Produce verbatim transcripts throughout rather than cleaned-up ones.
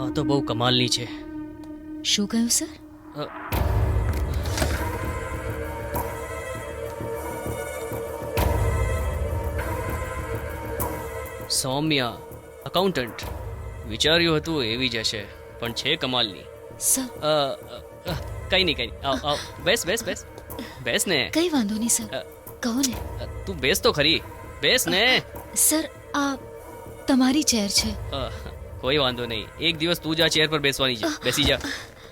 આ તો બહુ કમાલની છે. શું કહ્યું સર? અ, સૌમ્યા અકાઉન્ટન્ટ. વિચાર્યું હતું એવી જ હશે, પણ છે કમાલની. સર અ, અ, અ, કઈ નહીં કઈ નહીં. આવ આવ બેસ બેસ બેસ બેસ ને. કઈ વાંધો નહીં સર, અ, કહો ને. અ, તું બેસ તો ખરી. બેસ ને. સર આ તમારી ચેર છે. અ, કોઈ વાંધો નહીં. એક દિવસ તું જ આ ચેર પર બેસવાની છે. બેસી જા.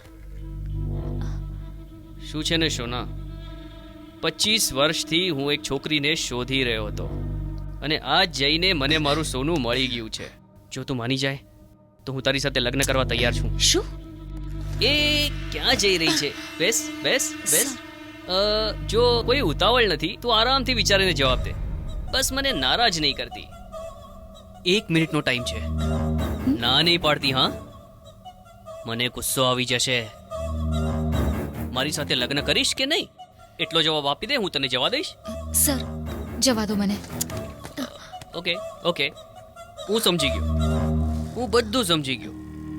શું છે ને શોના, પચીસ વર્ષથી હું એક છોકરીને શોધી રહ્યો હતો અને આજ જઈને મને મારું સોનું મળી ગયું છે. જો તું માની જાય તો હું તારી સાથે લગ્ન કરવા તૈયાર છું. શું? એ ક્યાં જઈ રહી છે? બેસ બેસ બેસ. અ, જો કોઈ ઉતાવળ નથી તો આરામથી વિચારીને જવાબ દે. બસ મને નારાજ નહીં કરતી. એક મિનિટનો ટાઈમ છે. ના નહીં પાડતી? હા, મને ગુસ્સો આવી જશે. મારી સાથે લગ્ન કરીશ કે નહીં એટલો જવાબ આપી દે, હું તને જવા દઈશ. સર જવા દો મને. ઓકે ઓકે, હું સમજી ગયો. હું બધું સમજી ગયો.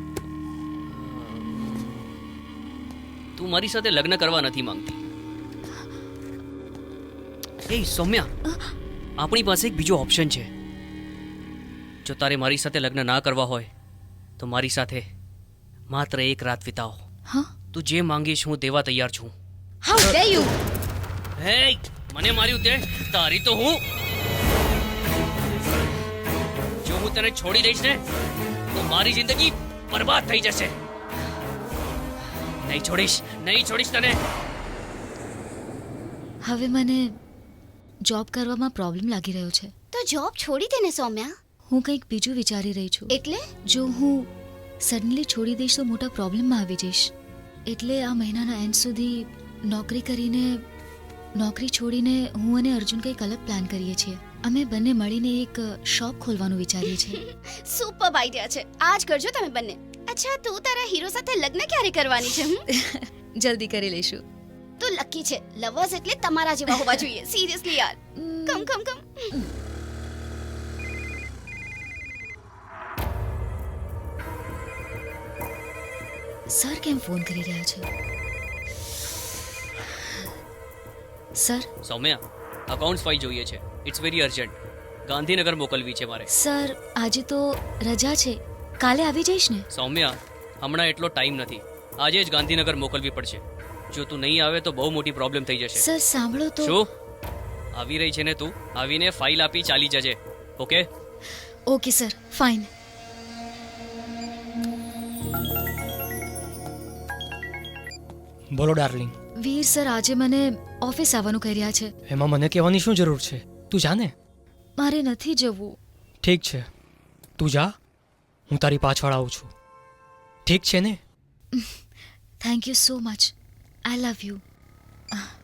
તું મારી સાથે લગ્ન કરવા નથી માંગતી. એ સૌમ્યા, આપણી પાસે એક બીજો ઓપ્શન છે. જો તારે મારી સાથે લગ્ન ના કરવા હોય તો મારી સાથે માત્ર એક રાત વિતાવો. હા, તું જે માંગીશ હું દેવા તૈયાર છું. How dare you! હે, મને માર્યું તે તારી તો હું. જો હું તને છોડી દઈશ ને તો મારી જિંદગી બરબાદ થઈ જશે. નહીં છોડીશ, નહીં છોડીશ તને. હવે મને જોબ કરવામાં પ્રોબ્લેમ લાગી રહ્યો છે. તો જોબ છોડી દે ને સૌમ્યા. હું કંઈક બીજું વિચારી રહી છું. એટલે જો હું સડનલી છોડી દઈશ તો મોટા પ્રોબ્લેમમાં આવી જઈશ. એટલે આ મહિનાના એન્ડ સુધી નોકરી કરીને નોકરી છોડીને હું અને અર્જુન કંઈક અલગ પ્લાન કરીએ છીએ. અમે બંને મળીને એક શોપ ખોલવાનું વિચારીએ છીએ. સુપર આઈડિયા છે. આજ કરજો તમે બંને. અચ્છા, તું તારા હીરો સાથે લગ્ન ક્યારે કરવાની છે? હમ? જલ્દી કરી લઈશું. તું લકી છે. લવર્સ એટલે તમારા જેવા હોવા જોઈએ. સિરિયસલી યાર. કમ કમ કમ. સર કેમ ફોન કરી રહ્યા છે? સર સૌમ્યા, અકાઉન્ટ્સ ફાઇલ જોઈએ છે. It's very urgent. ગાંધીનગર મોકલવી છે મારે. સર આજે તો રજા છે, કાલે આવી જઈશ ને? સૌમ્યા, હમણાં એટલો ટાઈમ નથી. આજે જ ગાંધીનગર મોકલવી પડશે. જો તું નહીં આવે તો બહુ મોટી પ્રોબ્લેમ થઈ જશે. સર સાંભળો તો. શું આવી રહી છે ને તું? આવીને ફાઇલ આપી ચાલી જજે. Okay okay sir, fine. બોલો ડાર્લિંગ. વીર સર આજે મને ઓફિસ આવવાનું કહી રહ્યા છે. એમાં મને કહેવાની શું જરૂર છે? તું જા ને. મારે નથી જવું. ઠીક છે, તું જા. હું તારી પાછળ આવું છું. ઠીક છે ને? Thank you so much. I love you.